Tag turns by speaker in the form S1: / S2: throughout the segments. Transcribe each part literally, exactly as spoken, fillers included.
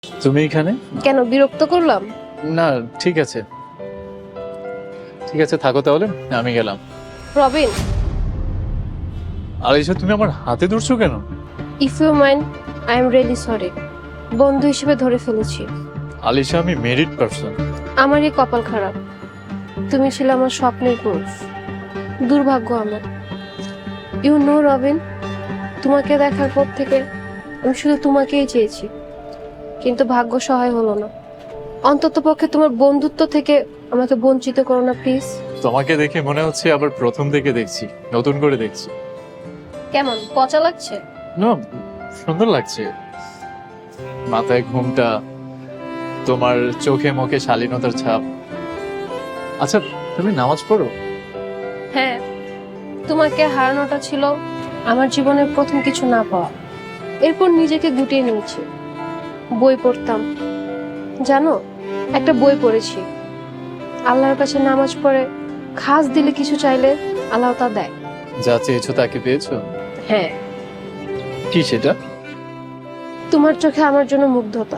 S1: তুমি এখানে?
S2: কেন বিরক্ত করলাম?
S1: না ঠিক আছে, ঠিক আছে থাকো তাহলে, আমি গেলাম।
S2: রবিন,
S1: আলিশা তুমি আমার হাতে ধরছো কেন?
S2: If you mind, I am really sorry. বন্ধু হিসেবে ধরে ফেলেছি।
S1: আলিশা আমি মেরিড পারসন।
S2: আমারই কপাল খারাপ, তুমি ছিলে আমার স্বপ্নের পুরুষ। দুর্ভাগ্য আমার। ইউ নো রবিন, তোমাকে দেখার পর থেকে আমি শুধু তোমাকেই চেয়েছি, কিন্তু ভাগ্য সহায় হলো না। অন্তত পক্ষে তোমার বন্ধুত্ব থেকে আমাকে বঞ্চিত করো না প্লিজ।
S1: তোমাকে দেখে মনে হচ্ছে আবার প্রথম থেকে দেখছি, নতুন করে দেখছি।
S2: কেমন পচা লাগছে?
S1: না সুন্দর লাগছে, মাথায় ঘুমটা, তোমার চোখে মুখে শালীনতার ছাপ। আচ্ছা তুমি নামাজ পড়ো?
S2: হ্যাঁ, তোমাকে হারানোটা ছিল আমার জীবনের প্রথম কিছু না পাওয়া। এরপর নিজেকে গুটিয়ে নিয়েছি, বই পড়তাম। জানো, একটা বই পড়েছি, আল্লাহর কাছে নামাজ পড়ে খাস দিলে কিছু চাইলে আল্লাহ তা দেয়।
S1: যা চেয়েছো তাকে পেয়েছো?
S2: হ্যাঁ,
S1: কি সেটা?
S2: তোমার চোখে আমার জন্য মুগ্ধতা।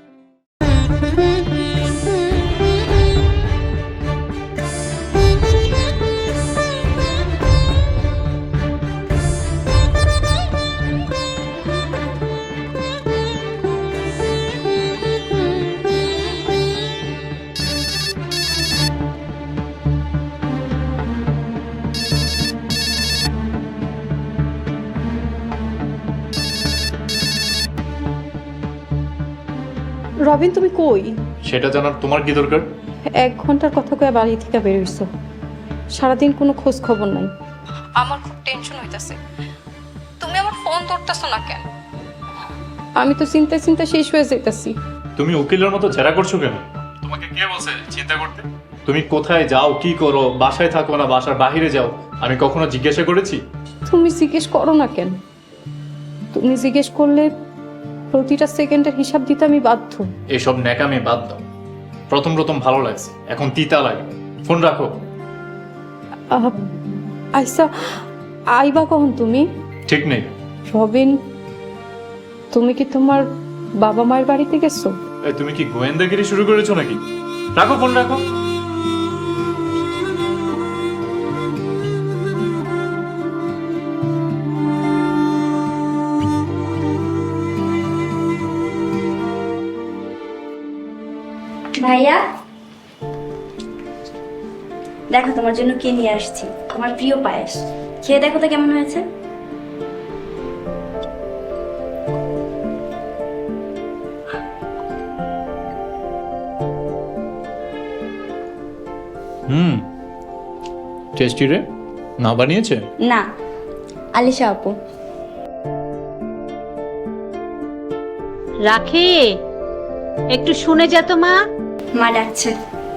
S3: রবিন, তুমি কই?
S1: সেটা জানার তোমার কি দরকার?
S3: এক ঘন্টার কথা কয়ে বাড়ি থেকে বের হইছো, সারাদিন কোনো খোঁজ খবর নাই। আমার খুব টেনশন হইতাছে, তুমি আমার ফোন ধরতেছো না কেন? আমি তো চিন্তায় চিন্তা শেষ হয়ে যাইতাছি।
S1: তুমি উকিলের মতো জেরা করছো কেন? তোমাকে কে বলছে চিন্তা করতে? তুমি কোথায় যাও, কি করো, বাসায় থাকো না বাসার বাইরে যাও, আমি কখনো জিজ্ঞাসা করেছি?
S3: তুমি জিজ্ঞেস করো না কেন? তুমি জিজ্ঞেস করলে প্রতিটা সেকেন্ডের হিসাব দিতে আমি বাধ্য।
S1: এসব ন্যাকামি বাদ দাও। প্রথম প্রথম ভালো লাগছে, এখন তিতা লাগে। ফোন রাখো।
S3: আহ, আইসা আইবা কখন তুমি?
S1: ঠিক নেই।
S3: রবিন, তুমি কি তোমার বাবা মায়ের বাড়িতে গেছো?
S1: এই তুমি কি গোয়েন্দাগিরি শুরু করেছো নাকি? রাখো ফোন রাখো।
S4: ভাইয়া দেখো, তোমার জন্য কে নিয়ে আসছি, তোমার প্রিয় পায়েস। খেয়ে দেখো তো কেমন হয়েছে।
S1: হুম, টেস্টি রে। না বানিয়েছে?
S4: না, আলিশা আপু।
S5: রাখি, একটু শুনে যা তো মা।
S4: মা ডাকছে।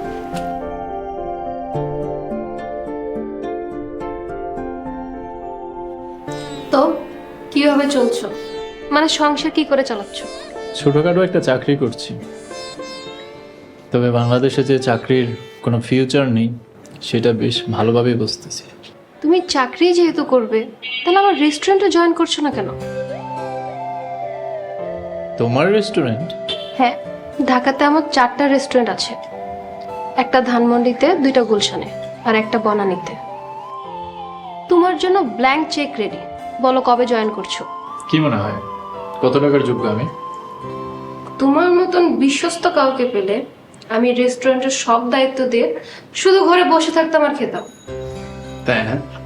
S2: তো কিভাবে চলছো? মানে সংসার কি করে চালাচ্ছ?
S1: ছোটখাটো একটা চাকরি করছি, তবে বাংলাদেশে যে চাকরির কোনো ফিউচার নেই সেটা বেশ ভালোভাবেই বুঝতেছি।
S2: তুমি চাকরি যেহেতু করবে, তাহলে আমার রেস্টুরেন্টে জয়েন করছো না কেন?
S1: তোমার রেস্টুরেন্ট?
S2: হ্যাঁ, ঢাকাতে আমার চারটা রেস্টুরেন্ট আছে। একটা ধানমন্ডিতে, দুইটা গুলশানে, আর একটা বনানীতে। তোমার জন্য ব্ল্যাঙ্ক চেক রেডি। বলো কবে জয়েন করছো?
S1: কি মনে হয় কত টাকার যোগ্য আমি?
S2: তোমার মতন বিশ্বস্ত কাউকে পেলে আমি রেস্টুরেন্টের সব দায়িত্ব দিয়ে শুধু ঘরে বসে থাকতাম আর খেতাম।
S1: তাই না?